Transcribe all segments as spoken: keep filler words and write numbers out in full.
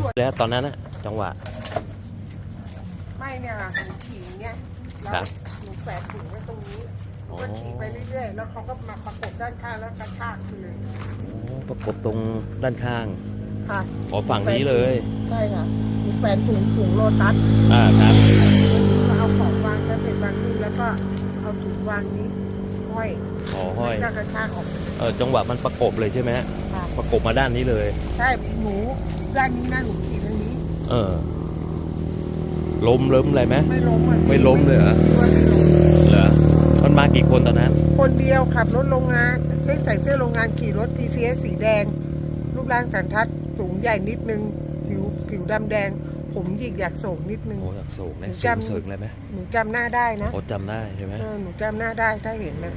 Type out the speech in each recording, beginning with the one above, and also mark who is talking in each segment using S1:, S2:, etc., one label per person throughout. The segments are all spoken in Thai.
S1: แล้วตอนนั้นนะจังหวะ
S2: ไม่เนี่ยค่ะหนูขี่เนี่ยแล้วหนูแฝงถุงไว้ตรงนี้หนูก็ขี่ไปเรื่อยๆแล้วเขาก็มาประกบด้านข้างแล้วกระชากไปเลย
S1: ประกบตรงด้านข้าง
S2: ค่ะ
S1: อ๋อฝั่งนี้เลย
S2: ใช่ค่ะหนูแฝงถุงถุงโลตัส
S1: อ่าครับ
S2: เอาของวางแล้วเป็นวางนี้แล้วก็เอาถุงวางนี้ห้อย
S1: อ๋อห้อย
S2: กระชากออก
S1: เออจังหวะมันประกบเลยใช่ไหมประกบมาด้านนี้เลย
S2: ใช่หนูด้านนี้นะหนูขี่ทางนี้
S1: เออล้มล้มอะไรไหม
S2: ไม่ล้ม
S1: ไม่ล้มเลยเหรอเหรอมันมากี่คนตอนนั้น
S2: คนเดียวขับรถโรงงานไม่ใส่เสื้อโรงงานขี่รถ ที ซี เอส สีแดงรูปร่างสันทัดสูงใหญ่นิดนึงผิวผิวดำแดงผมหยิกอยากโศกนิดนึง
S1: โอ้อยากโศกเนี่ยสูงเสริงเลยไหม
S2: หนูจำหน้าได้นะ
S1: โอ้จำได้ใช่ไหม
S2: เออหนูจำหน้าได้ถ้าเห็นนะ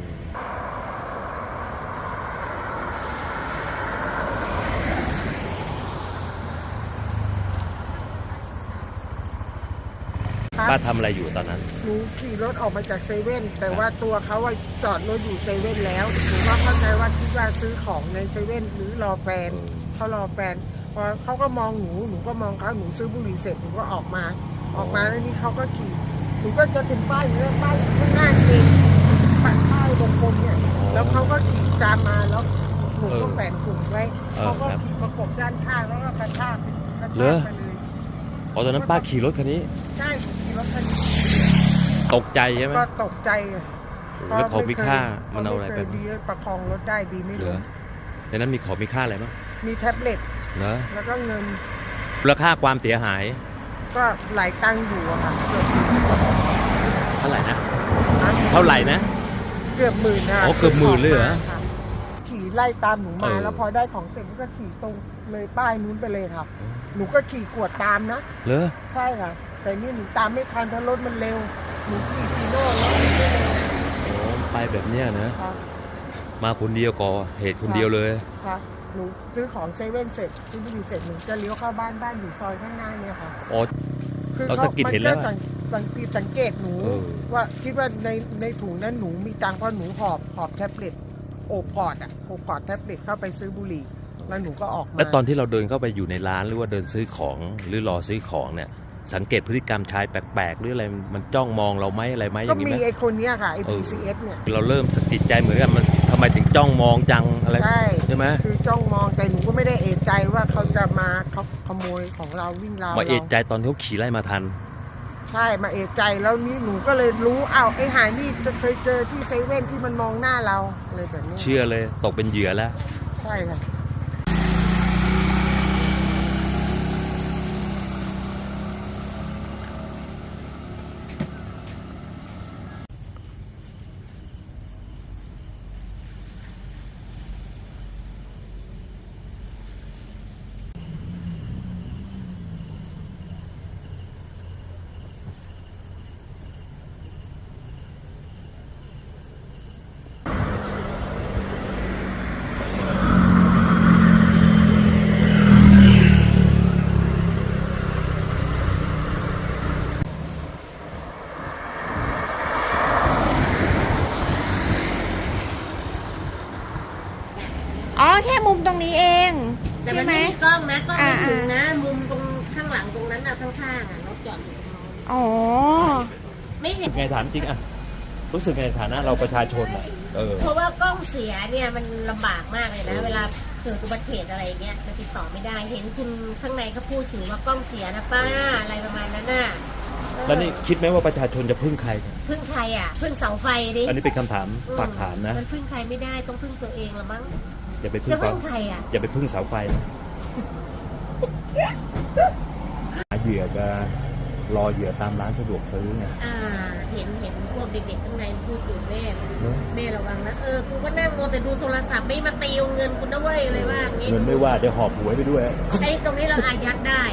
S1: ป้าทำอะไรอยู่ตอนนั้น
S2: หนูขี่รถออกมาจากเซเว่นแต่ว่าตัวเขาจอดรถอยู่เซเว่นแล้วหนูว่าเข้าใจว่าคิดว่าซื้อของในเซเว่นหรือรอแฟนเขารอแฟนพอเขาก็มองหนูหนูก็มองเขาหนูซื้อบุหรี่เสร็จหนูก็ออกมาออกมาแล้วนี่เขาก็ขี่หนูก็จะถึงป้ายอยู่แล้วป้ายข้างหน้าเองปัดป้ายตรงกลมเนี่ยแล้วเขาก็ขี่ตามมาแล้วหนูก็แฝงถุงไว้เขาก็ขี่ประกบด้านข้างแล้วก็กระชากกระชากไปเลย
S1: อ๋อตอนนั้นป้าขี่รถคันนี้
S2: ใช่ขี่รถคันนี้
S1: ตกใจใช่ไหม
S2: ก็ตกใจ
S1: แล้วของมีค่ามันเอาอะไรไป
S2: ดีประคองรถได้ดีไม่เหลือ
S1: ในนั้นมีของมีค่าอะไรบ้าง
S2: มีแท็บเล็ต
S1: เหรอ
S2: แล้วก็เงิน
S1: มูลค่าความเสียหาย
S2: ก็หลายตังค์อยู่อะค่ะ
S1: เท่าไหร่นะเท่าไหร่นะ
S2: เกือบหมื่นนะ
S1: อ๋อเกือบหมื่นเลยเหรอ
S2: ขี่ไล่ตามหนูมาแล้วพอได้ของเสร็จก็ขี่ตรงเลยป้ายนู้นไปเลยค่ะหนูก็ขี่กวดตามนะ
S1: เหรอ
S2: ใช่ค่ะแต่นี่หนูตามไม่ทันเพราะรถมันเร็วหนูขี่ฟีโน่แล้วไม่เร็ว
S1: โอ้ไปแบบเนี้ยนะมาคนเดียวก่อเหตุคนเดียวเลย
S2: ค่ะหนูซื้อของเซเว่นเสร็จซื้อบุหรี่เสร็จหนูจะเลี้ยวเข้าบ้านบ้านอยู่ซอยข้างหน้าเนี่ยค่ะ
S1: อ๋อเราสังเกตเห็นแล้ว
S2: สังเกตสังเกตหนูว่าคิดว่าในในถุงนั้นหนูมีตังค์เพราะหนูหอบหอบแท็บเล็ตโอบพอร์ตอ่ะโอบพอร์ตแท็บเล็ตเข้าไปซื้อบุหรี่แล้วหนูก็ออกมา
S1: แล้วตอนที่เราเดินเข้าไปอยู่ในร้านหรือว่าเดินซื้อของหรือรอซื้อของเนี่ยสังเกตพฤติกรรมชายแปลกๆหรืออะไรมันจ้องมองเราไหมอะไรไหมอย่างนี้ไหม
S2: ก็มีไอ้คนนี้ค่ะไอ้ ที ซี เอส เนี่ย
S1: เราเริ่มสะกิดใจเหมือนกันมันทำไมถึงจ้องมองจังอะไร
S2: ใช่
S1: ใช่ไหม
S2: คือจ้องมองแต่หนูก็ไม่ได้เอะใจว่าเขาจะมาเขาขโมยของเราวิ่งราว
S1: มาเอะใจตอนที่เขาขี่ไล่มาทัน
S2: ใช่มาเอะใจแล้วนี่หนูก็เลยรู้อ้าวไอ้หายนี่จะเคยเจอที่เซเว่นที่มันมองหน้าเราเลยแบบนี้
S1: เชื่อเลยตกเป็นเหยื่อแล้ว
S2: ใช่ค่ะ
S3: อ๋อแค่มุมตรงนี้เอง
S4: แต่มันไม่มีกล้องนะกล้องไม่ถึงนะมุมตรงข้างหลังตรงนั้นนะข้างๆอ่ะรถจอดอยู่ตรงนั้น
S3: อ๋อ
S4: ไม่เห็น
S1: ไงถามจริงอ่ะรู้สึกไงฐานะเราประชาชนอ่ะเออ
S4: เพราะว่ากล้องเสียเนี่ยมันลำบากมากเลยนะเวลาเกิดอุบัติเหตุอะไรเงี้ยมันติดต่อไม่ได้เห็นคุณข้างในเขาพูดถึงว่ากล้องเสียนะป้าอะไรประมาณนั้นน่ะ
S1: แล้วนี่คิดไหมว่าประชาชนจะพึ่งใคร
S4: พึ่งใครอ่ะพึ่งเสาไฟดิ
S1: อันนี้เป็นคำถามฝากถามนะ
S4: มันพึ่งใครไม่ได้ต้องพึ่งตัวเองละมั้ง
S1: อย่าไปพึ่ง
S4: ใครอ่ะ
S1: อย่าไปพึ่งเสาไฟหาเหยื่อจะรอเหยื่อตามร้านสะดวกซื้อไง
S4: อ่าเห็นเห็นพวกเด็กๆข้างในพูดอยู่แม่แม่ระวังนะเออกูก็นั่งโมแต่ดูโทรศัพท์ไม่มาตีเงินกูนะเว้ยอะไรว่าอย่างงี้
S1: เงินไม่ว่าจะหอบหวยไปด้วย
S4: ไอ้ตรงนี้เราอายัดได้